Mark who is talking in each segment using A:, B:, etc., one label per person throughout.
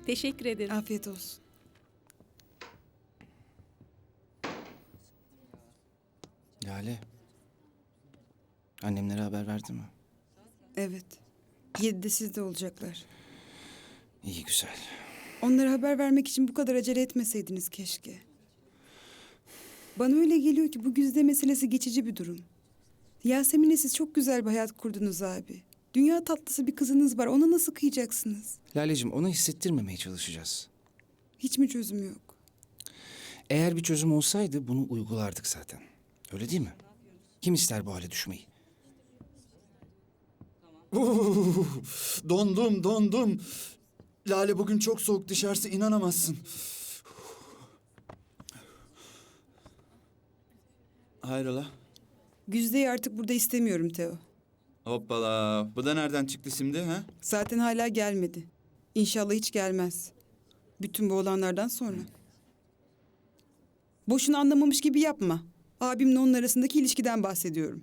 A: Teşekkür ederim.
B: Afiyet olsun.
C: Lale. Annemlere haber verdi mi?
B: Evet. 7'de sizde olacaklar.
C: İyi güzel.
B: Onlara haber vermek için bu kadar acele etmeseydiniz keşke. Bana öyle geliyor ki bu Güzide meselesi geçici bir durum. Yasemin'le siz çok güzel bir hayat kurdunuz abi. Dünya tatlısı bir kızınız var. Ona nasıl kıyacaksınız?
C: Laleciğim ona hissettirmemeye çalışacağız.
B: Hiç mi çözüm yok?
C: Eğer bir çözüm olsaydı bunu uygulardık zaten. Öyle değil mi? Kim ister bu hale düşmeyi?
D: Dondum. Lale bugün çok soğuk dışarısı inanamazsın. Hayrola?
B: Güzide'yi artık burada istemiyorum Teo.
D: Hoppala. Bu da nereden çıktı şimdi ha?
B: Zaten hala gelmedi. İnşallah hiç gelmez. Bütün bu olanlardan sonra. Boşuna anlamamış gibi yapma. Abimle onun arasındaki ilişkiden bahsediyorum.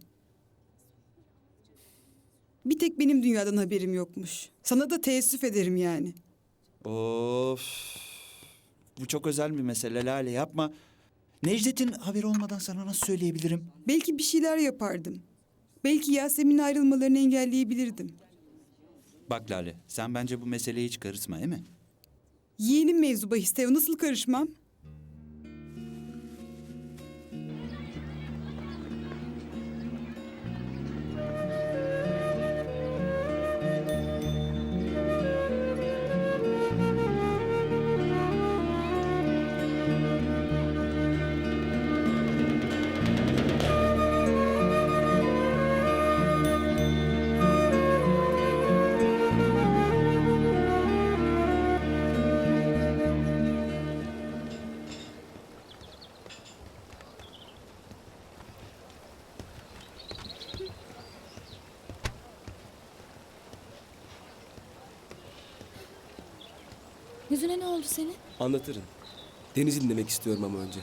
B: Bir tek benim dünyadan haberim yokmuş. Sana da teessüf ederim yani.
D: Of. Bu çok özel bir mesele Lale yapma. Necdet'in haberi olmadan sana nasıl söyleyebilirim?
B: Belki bir şeyler yapardım. Belki Yasemin'in ayrılmalarını engelleyebilirdim.
D: Bak Lale sen bence bu meseleye hiç karışma değil mi?
B: Yeğenim mevzu bahis Teo, nasıl karışmam?
E: Yüzüne ne oldu senin?
F: Anlatırım. Deniz'i dinlemek istiyorum ama önce.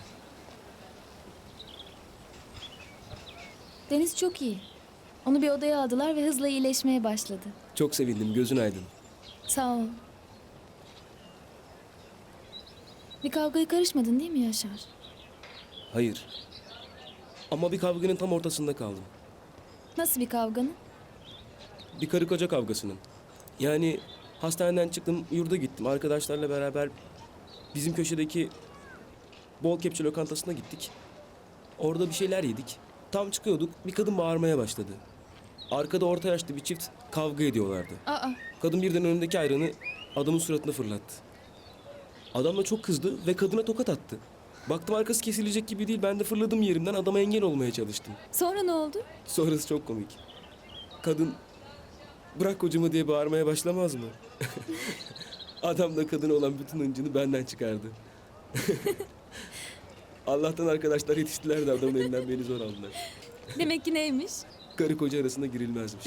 E: Deniz çok iyi. Onu bir odaya aldılar ve hızla iyileşmeye başladı.
F: Çok sevindim, gözün aydın.
E: Sağ ol. Bir kavgaya karışmadın değil mi Yaşar?
F: Hayır. Ama bir kavganın tam ortasında kaldım.
E: Nasıl bir kavganın?
F: Bir karı koca kavgasının. Yani hastaneden çıktım, yurda gittim. Arkadaşlarla beraber bizim köşedeki bol kepçe lokantasına gittik. Orada bir şeyler yedik. Tam çıkıyorduk, bir kadın bağırmaya başladı. Arkada orta yaşlı bir çift kavga ediyorlardı.
E: Aa,
F: Kadın birden önündeki ayranı adamın suratına fırlattı. Adam da çok kızdı ve kadına tokat attı. Baktım arkası kesilecek gibi değil. Ben de fırladım yerimden, adama engel olmaya çalıştım.
E: sonra ne oldu?
F: Sonrası çok komik. Kadın bırak kocamı diye bağırmaya başlamaz mı? Adam da kadına olan bütün hıncını benden çıkardı. Allah'tan arkadaşlar yetiştiler de adamın elinden beni zor aldılar.
E: Demek ki neymiş?
F: Karı koca arasında girilmezmiş.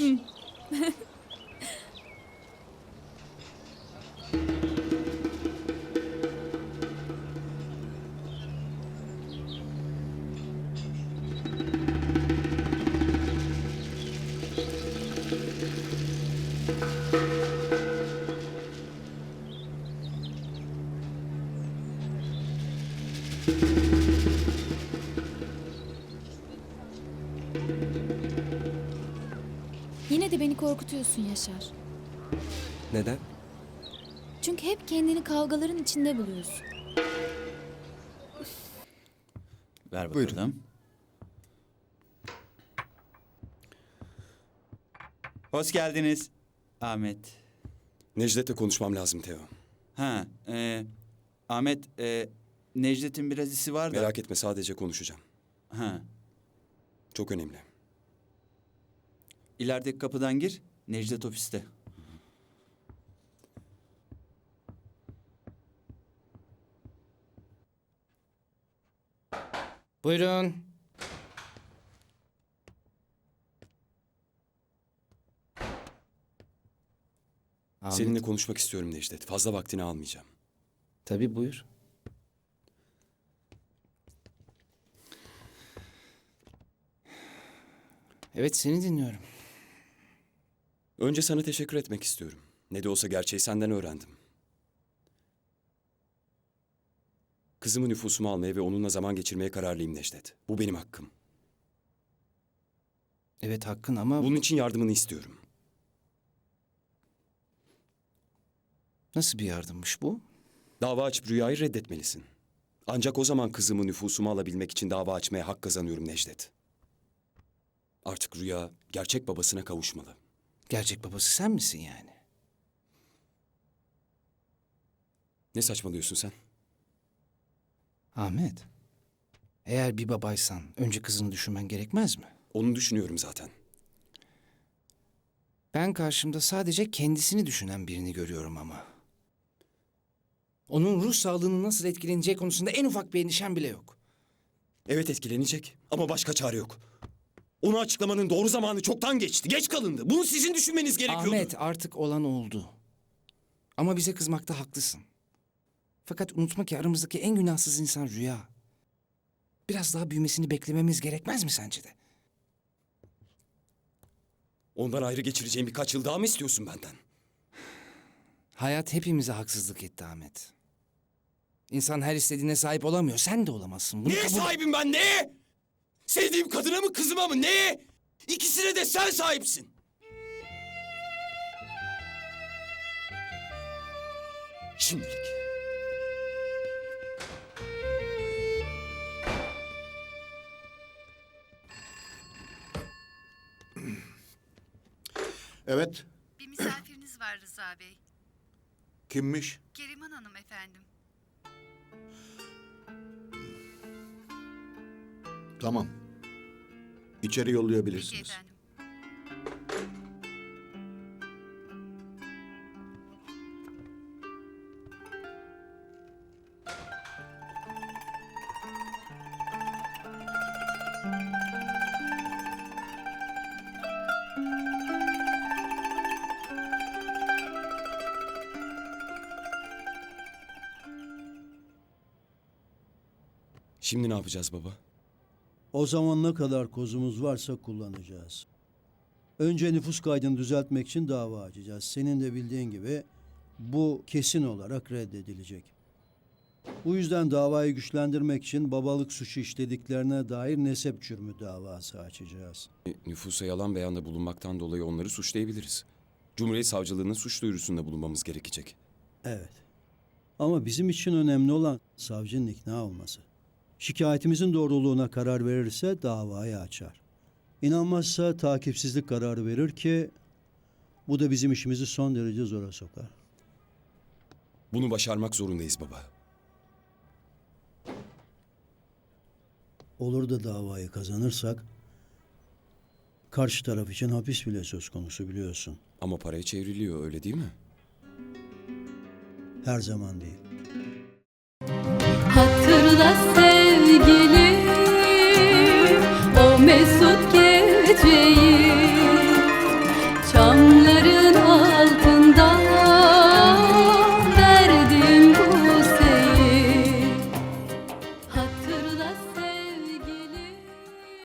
E: Yine de beni korkutuyorsun Yaşar.
F: Neden?
E: Çünkü hep kendini kavgaların içinde buluyorsun.
D: Ver bakalım.
G: Buyurun.
D: Hoş geldiniz Ahmet.
G: Necdet'le konuşmam lazım Teo.
D: Ha, Ahmet, Necdet'in biraz işi var da.
G: Merak etme, sadece konuşacağım.
D: Ha,
G: Çok önemli.
D: ilerideki kapıdan gir. Necdet ofiste.
C: Buyurun. Ahmet.
G: Seninle konuşmak istiyorum Necdet. Fazla vaktini almayacağım.
C: Tabii buyur. Evet seni dinliyorum.
G: Önce sana teşekkür etmek istiyorum. Ne de olsa gerçeği senden öğrendim. Kızımı nüfusuma almaya ve onunla zaman geçirmeye kararlıyım Necdet. Bu benim hakkım.
C: Evet hakkın ama
G: Bunun için yardımını istiyorum.
C: nasıl bir yardımmış bu?
G: Dava açıp Rüya'yı reddetmelisin. Ancak o zaman kızımı nüfusuma alabilmek için dava açmaya hak kazanıyorum Necdet. Artık Rüya gerçek babasına kavuşmalı.
C: Gerçek babası sen misin yani?
G: Ne saçmalıyorsun sen?
C: Ahmet, eğer bir babaysan önce kızını düşünmen gerekmez mi?
G: Onu düşünüyorum zaten.
C: Ben karşımda sadece kendisini düşünen birini görüyorum ama. Onun ruh sağlığının nasıl etkileneceği konusunda en ufak bir endişem bile yok.
G: Evet etkilenecek ama başka çare yok. Onu açıklamanın doğru zamanı çoktan geçti. Geç kalındı. Bunu sizin düşünmeniz gerekiyordu.
C: Ahmet, artık olan oldu. Ama bize kızmakta haklısın. Fakat unutma ki aramızdaki en günahsız insan Rüya. Biraz daha büyümesini beklememiz gerekmez mi sence de?
G: Ondan ayrı geçireceğim birkaç yıl daha mı istiyorsun benden?
C: Hayat hepimize haksızlık etti Ahmet. İnsan her istediğine sahip olamıyor. Sen de olamazsın. Bunu
G: Neye
C: kabul-
G: sahibim ben, neye? Sevdiğim kadına mı kızıma mı, neye? İkisine de sen sahipsin. Şimdilik.
A: Evet,
H: Bir misafiriniz var Rıza Bey.
A: kimmiş?
H: Keriman Hanım efendim.
A: Tamam. İçeri
H: Peki
A: yollayabilirsiniz.
H: efendim.
G: Şimdi ne yapacağız baba?
I: O zaman ne kadar kozumuz varsa kullanacağız. Önce nüfus kaydını düzeltmek için dava açacağız. Senin de bildiğin gibi bu kesin olarak reddedilecek. Bu yüzden davayı güçlendirmek için babalık suçu işlediklerine dair nesep cürmü davası açacağız.
G: Nüfusa yalan beyanda bulunmaktan dolayı onları suçlayabiliriz. Cumhuriyet Savcılığı'nın suç duyurusunda bulunmamız gerekecek.
I: Evet. Ama bizim için önemli olan savcının ikna olması. Şikayetimizin doğruluğuna karar verirse davayı açar. İnanmazsa takipsizlik kararı verir ki bu da bizim işimizi son derece zora sokar.
G: Bunu başarmak zorundayız baba.
I: Olur da davayı kazanırsak karşı taraf için hapis bile söz konusu biliyorsun.
G: Ama paraya çevriliyor, öyle değil mi?
I: Her zaman değil.
E: Hatırla sen